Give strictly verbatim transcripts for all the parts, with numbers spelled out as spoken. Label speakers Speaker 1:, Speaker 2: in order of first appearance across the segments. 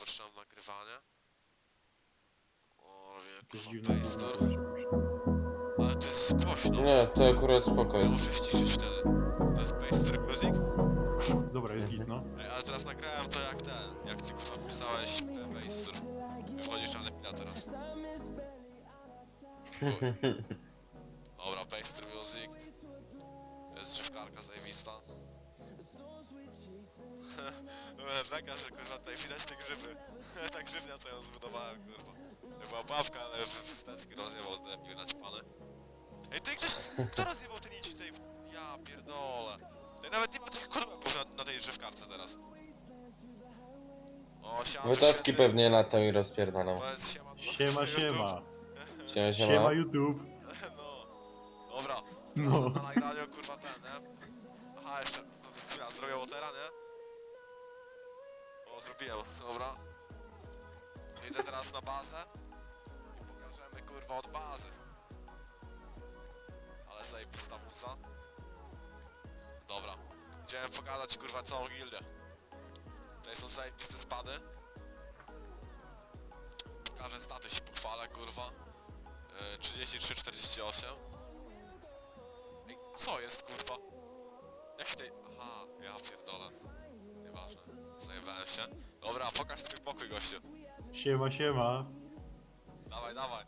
Speaker 1: zatrzymam nagrywanie. O,
Speaker 2: Jakieś
Speaker 1: kurwa,
Speaker 2: dziwne
Speaker 1: Paystor.
Speaker 2: słowo słyszę.
Speaker 1: Ale to jest głośno.
Speaker 3: Nie, to akurat spoko
Speaker 1: Ja
Speaker 3: jest.
Speaker 1: muszę ściszyć wtedy. To jest Paystor Music?
Speaker 2: Dobra, jest git, no.
Speaker 1: Ej, ale teraz nagrałem to jak ten, jak ty kurwa pisałeś e, Paystor. Wchodzisz na Lepila teraz. Chuj. Dobra, Paystor Music. To jest drzewkarka zajebista. Beka, że kurwa tutaj widać te grzyby. Ta grzybnia co ją zbudowałem, kurwa. To była pawka, ale Wstecki rozjebał z debil naćpany. Ej, tutaj ktoś, kto rozjebał te nici tutaj w... Ja pierdolę. Tutaj nawet nie ma tych kurwa na, na tej drzewkarce teraz. O, siema,
Speaker 3: Wytaski
Speaker 1: święty.
Speaker 3: pewnie latą i rozpierdaną.
Speaker 1: Powiedz siema.
Speaker 2: Siema, siema.
Speaker 3: Siema,
Speaker 2: Siema
Speaker 3: siema.
Speaker 2: YouTube.
Speaker 1: No. Dobra.
Speaker 2: No.
Speaker 1: No. Na nagraniu kurwa ten, nie? Aha, jeszcze. To chwila, zrobię watera, nie? O, zrobiłem, dobra. Idę teraz na bazę i pokażemy kurwa od bazy. Ale zajebista muza. Dobra. Idziemy pokazać kurwa całą gildę. Tutaj są zajebiste spady. Pokażę staty, się pochwalę kurwa. Yy, trzydzieści trzy czterdzieści osiem. Ej, co jest kurwa? Jak się tutaj... Aha, ja pierdolę. Nieważne. Zajebałem się. Dobra, pokaż swój pokój gościu.
Speaker 2: Siema, siema.
Speaker 1: Dawaj, dawaj.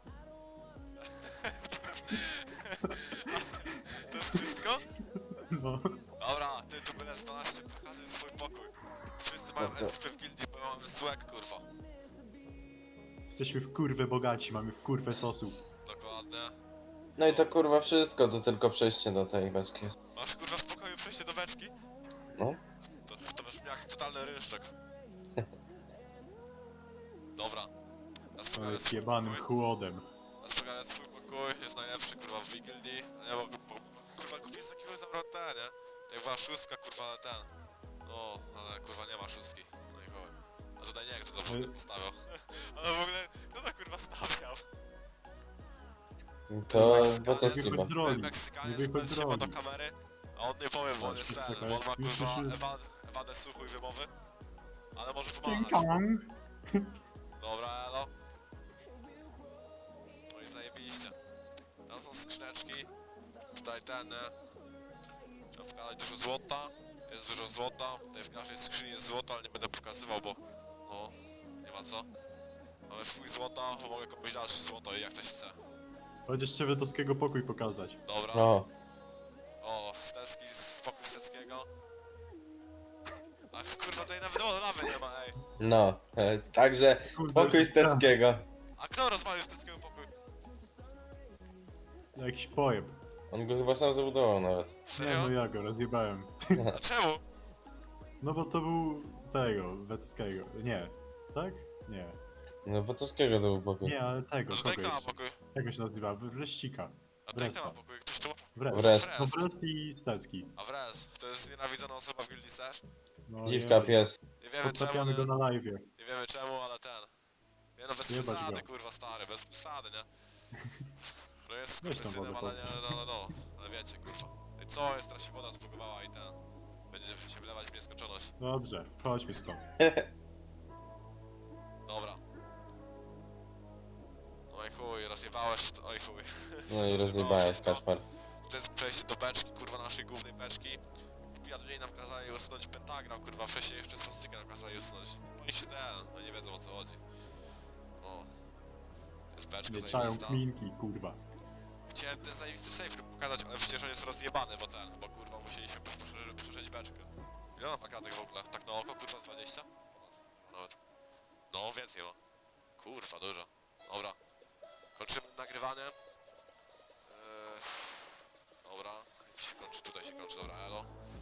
Speaker 1: To jest wszystko?
Speaker 2: No.
Speaker 1: Dobra, ty tu byle dwanaście, pokazuj swój pokój. Wszyscy mają
Speaker 3: Dobra.
Speaker 1: S P w gildii, bo mamy swag, kurwa.
Speaker 2: Jesteśmy w kurwę bogaci, mamy w kurwę sosu.
Speaker 1: Dokładnie.
Speaker 3: No i to kurwa wszystko, to tylko przejście do tej beczki jest.
Speaker 1: Masz kurwa w pokoju przejście do beczki?
Speaker 3: No.
Speaker 1: To, to brzmi jak totalny rynszczek. Dobra. Teraz
Speaker 2: To
Speaker 1: pokażę
Speaker 2: jest
Speaker 1: swój
Speaker 2: jebanym
Speaker 1: pokój.
Speaker 2: chłodem.
Speaker 1: Teraz pokażę swój pokój, jest najlepszy kurwa w gildii. Nie, bo, bo kurwa kupić z takiego zabrał ten, nie? Jak była szóstka, kurwa, ale ten. No, ale kurwa nie ma szóstki. No i chuj. A tutaj nie, kto to w ogóle postawiał. Ale w ogóle, kto to kurwa stawiał?
Speaker 3: To
Speaker 1: Meksykanin.
Speaker 3: Wytaski
Speaker 2: Nie
Speaker 3: chyba.
Speaker 2: wychodź z roli.
Speaker 1: Ten
Speaker 2: Nie
Speaker 1: Meksykaniec
Speaker 2: wychodź
Speaker 1: bez
Speaker 2: z
Speaker 1: się ma
Speaker 2: roli.
Speaker 1: do kamery, a on nie powie, bo on jest ten, bo on ma
Speaker 2: Już,
Speaker 1: kurwa
Speaker 2: już, już.
Speaker 1: ewadę, ewadę słuchu i wymowy. Ale może
Speaker 2: King
Speaker 1: pomagać.
Speaker 2: Kong.
Speaker 1: Dobra, elo. No i zajebiście. Tam są skrzyneczki. Tutaj ten, nie? Trzeba wkładać dużo złota. Jest dużo złota. Tutaj w każdej skrzyni jest złoto, ale nie będę pokazywał, bo... No, nie ma co. Mamy swój złota, bo mogę komuś dać złoto i jak ktoś chce.
Speaker 2: Chodź jeszcze Wetowskiego pokój pokazać.
Speaker 1: Dobra.
Speaker 3: O,
Speaker 1: O, Stecki, spokój Steckiego. Ach, kurwa, tutaj nawet o, lawy nie ma, ej.
Speaker 3: no. E, Także
Speaker 2: Kurde,
Speaker 3: pokój
Speaker 2: już
Speaker 3: Steckiego.
Speaker 1: A kto rozwalił Steckiego pokój?
Speaker 2: Jakiś pojeb.
Speaker 3: On go chyba sam zabudował nawet.
Speaker 2: Nie
Speaker 1: Serio?
Speaker 2: no ja go rozjebałem.
Speaker 1: A czemu?
Speaker 2: No bo to był tego, Wetowskiego. Nie. Tak? Nie.
Speaker 3: No Wytaskiego to był pokój.
Speaker 2: Nie, ale tego,
Speaker 1: A tutaj
Speaker 2: kogo
Speaker 1: kto ma
Speaker 2: jeszcze?
Speaker 1: pokój?
Speaker 2: Jak on się nazywa? Wreszcika.
Speaker 1: A tutaj kto ma
Speaker 2: Wresta.
Speaker 1: pokój? Ktoś tu ma?
Speaker 2: Wrest.
Speaker 3: Wrest.
Speaker 2: No Wrest i Stecki.
Speaker 1: A wrez, to jest nienawidzona osoba w gildii Sash.
Speaker 2: No,
Speaker 3: Dziwka
Speaker 2: nie,
Speaker 3: pies.
Speaker 1: Nie wiemy czemu,
Speaker 2: Podtapiamy
Speaker 1: nie,
Speaker 2: go na live.
Speaker 1: nie wiemy czemu, ale ten. Nie no, bez
Speaker 2: Jebać
Speaker 1: przesady,
Speaker 2: go.
Speaker 1: kurwa, stary, bez przesady, nie? No jest
Speaker 2: Weź tam
Speaker 1: skurwysynem,
Speaker 2: wodę
Speaker 1: ale nie, no, no, no, ale wiecie, kurwa. I co, jest, teraz się woda zbugowała i ten... Będzie się wylewać w nieskończoność.
Speaker 2: Dobrze, chodźmy stąd.
Speaker 1: Dobra. Oj chuj, rozjebałeś, oj chuj.
Speaker 3: No i
Speaker 1: Rozjebało
Speaker 3: rozjebałeś,
Speaker 1: wszystko.
Speaker 3: Kaszpar.
Speaker 1: To jest przejście do beczki, kurwa, naszej głównej beczki. I pijadli nam kazali usunąć pentagram, kurwa, wcześniej jeszcze swastykę nam kazali usunąć. Oni się ten, no nie wiedzą o co chodzi. O. To jest beczka
Speaker 2: Nie czają
Speaker 1: zajebista.
Speaker 2: kminki, kurwa.
Speaker 1: Chciałem ten zajebisty safe pokazać, ale przecież on jest rozjebany, bo ten, bo kurwa musieliśmy prze- przeżyć beczkę. Ile on ma kratek w ogóle? Tak na oko, kurwa, z dwadzieścia? Ponad. Nawet. No, więcej ma. Kurwa, dużo. Dobra. Kończymy nagrywanie. Eee, dobra. Się kończy, tutaj się kończy, dobra, elo.